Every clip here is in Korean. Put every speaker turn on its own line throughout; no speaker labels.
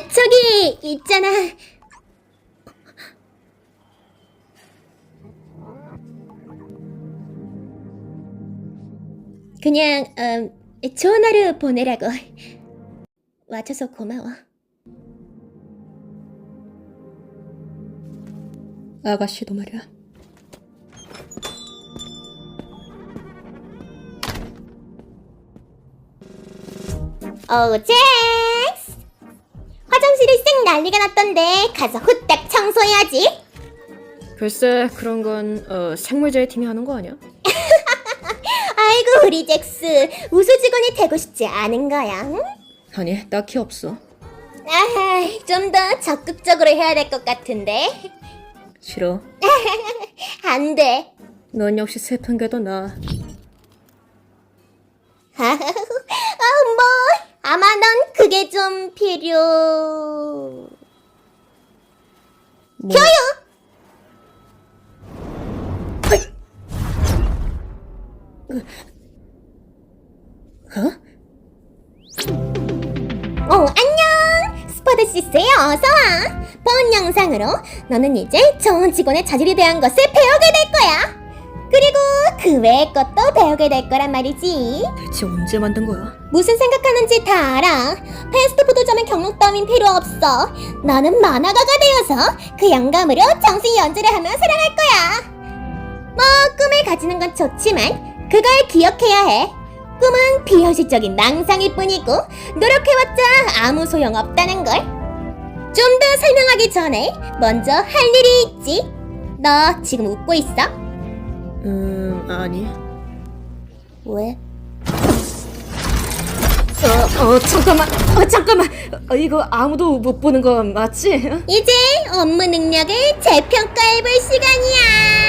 저기 있잖아. 그냥 좋은 하루 보내라고. 와줘서 고마워.
아가씨도 말이야.
잭스! 화장실이 쌩 난리가 났던데 가서 후딱 청소해야지.
글쎄, 그런 건 생물자의 팀이 하는 거 아니야?
아이고 우리 잭스, 우수 직원이 되고 싶지 않은 거야? 응?
아니, 딱히 없어.
좀 더 적극적으로 해야 될 것 같은데.
싫어.
안 돼.
넌 역시 슬픈 게 더 나아.
뭐 아마 넌 그게 좀 필요.
뭐,
교육. 안녕. 스퍼드시스에 어서와. 본 영상으로 너는 이제 좋은 직원의 자질에 대한 것을 배우게 될 거야. 그리고 그 외의 것도 배우게 될 거란 말이지.
대체 언제 만든 거야?
무슨 생각하는지 다 알아. 패스트푸드점의 경력 따윈 필요 없어. 너는 만화가가 되어서 그 영감으로 정신 연주를 하며 살아갈 거야. 뭐 꿈을 가지는 건 좋지만 그걸 기억해야 해. 꿈은 비현실적인 망상일 뿐이고 노력해봤자 아무 소용 없다는 걸. 좀 더 설명하기 전에 먼저 할 일이 있지. 너 지금 웃고 있어?
아니.
왜?
잠깐만. 이거 아무도 못 보는 거 맞지?
이제 업무 능력을 재평가해볼 시간이야.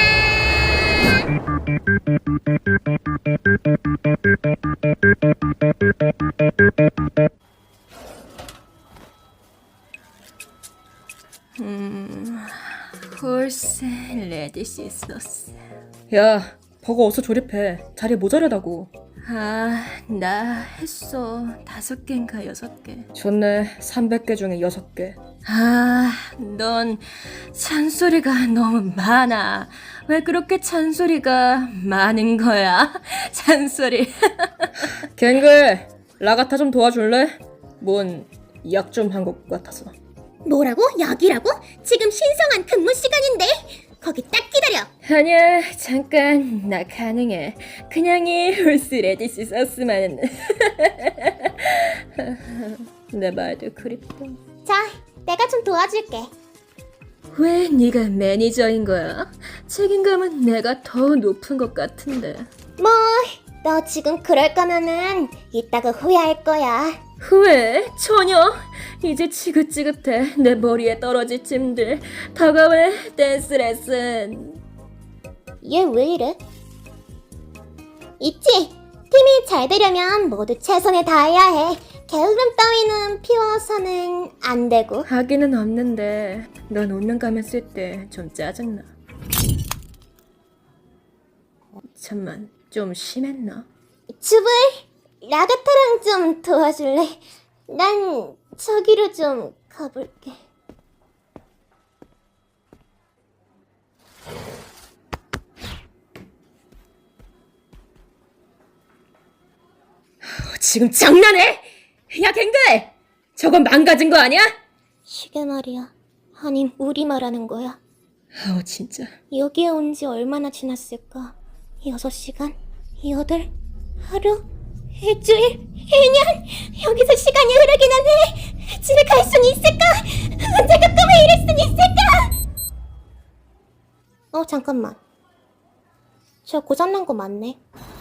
홀세 레디시 소스. 야, 버거 어서 조립해. 자리 모자라다고. 나 했어. 5개인가 6개. 좋네. 300개 중에 6개. 넌 잔소리가 너무 많아. 왜 그렇게 잔소리가 많은 거야? 잔소리. 갱글, 라가타 좀 도와줄래? 뭔 약 좀 한 것 같아서.
뭐라고? 약이라고? 지금 신성한 근무 시간인데. 거기 딱 기다려.
아니야, 잠깐. 나 가능해. 그냥이 홀스 레디시 소스만은. 내 말도 그립다.
자, 내가 좀 도와줄게.
왜 네가 매니저인 거야? 책임감은 내가 더 높은 것 같은데.
뭐, 너 지금 그럴 거면은 이따가 후회할 거야.
후회? 전혀. 이제 지긋지긋해. 내 머리에 떨어질 짐들. 다가올 댄스 레슨.
얘 왜 이래? 있지? 팀이 잘 되려면 모두 최선을 다해야 해. 게으름 따위는 피워서는 안 되고.
하기는 없는데 넌 웃는 가면 쓸 때 좀 짜증나. 잠만, 좀 심했나?
줍을 라가타랑 좀 도와줄래? 난 저기로 좀 가볼게.
지금 장난해? 야, 갱글! 저건 망가진 거 아니야?
이게 말이야. 아님 우리 말하는 거야.
진짜.
여기에 온 지 얼마나 지났을까? 6시간? 8? 하루? 일주일? 1년? 여기서 시간이 흐르기는 해. 집에 갈 순 있을까? 언제가 꿈에 이룰 순 있을까? 잠깐만. 저 고장난 거 맞네.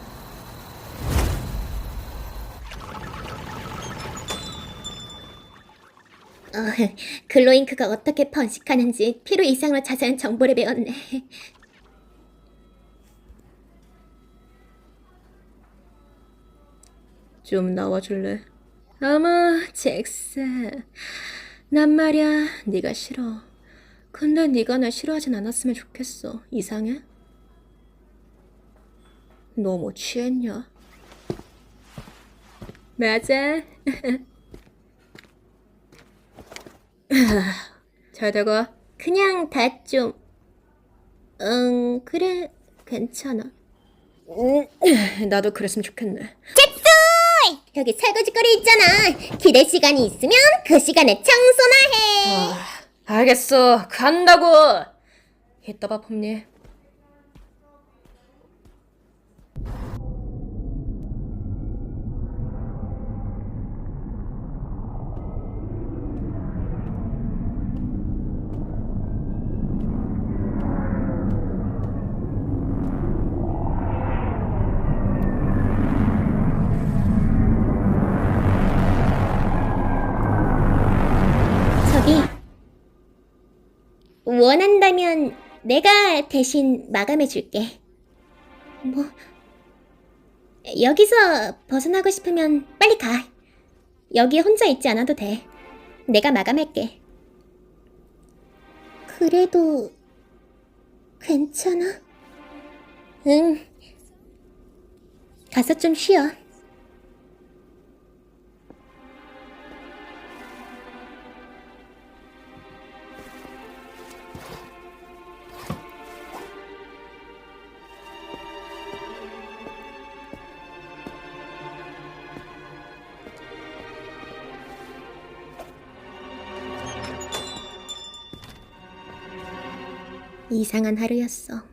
글로잉크가 어떻게 번식하는지 필요 이상으로 자세한 정보를 배웠네.
좀 나와줄래? 어머, 잭스. 난 말야, 네가 싫어. 근데 네가 날 싫어하진 않았으면 좋겠어. 이상해? 너 뭐 취했냐? 맞아. 잘 되고.
그냥 다 좀... 그래, 괜찮아.
나도 그랬으면 좋겠네.
잭스! 여기 설거지거리 있잖아. 기댈 시간이 있으면 그 시간에 청소나 해.
알겠어. 간다고. 이따 봐, 폼니.
저기, 원한다면 내가 대신 마감해줄게. 뭐, 여기서 벗어나고 싶으면 빨리 가. 여기 혼자 있지 않아도 돼. 내가 마감할게. 그래도 괜찮아? 응. 가서 좀 쉬어. 이상한 하루였어.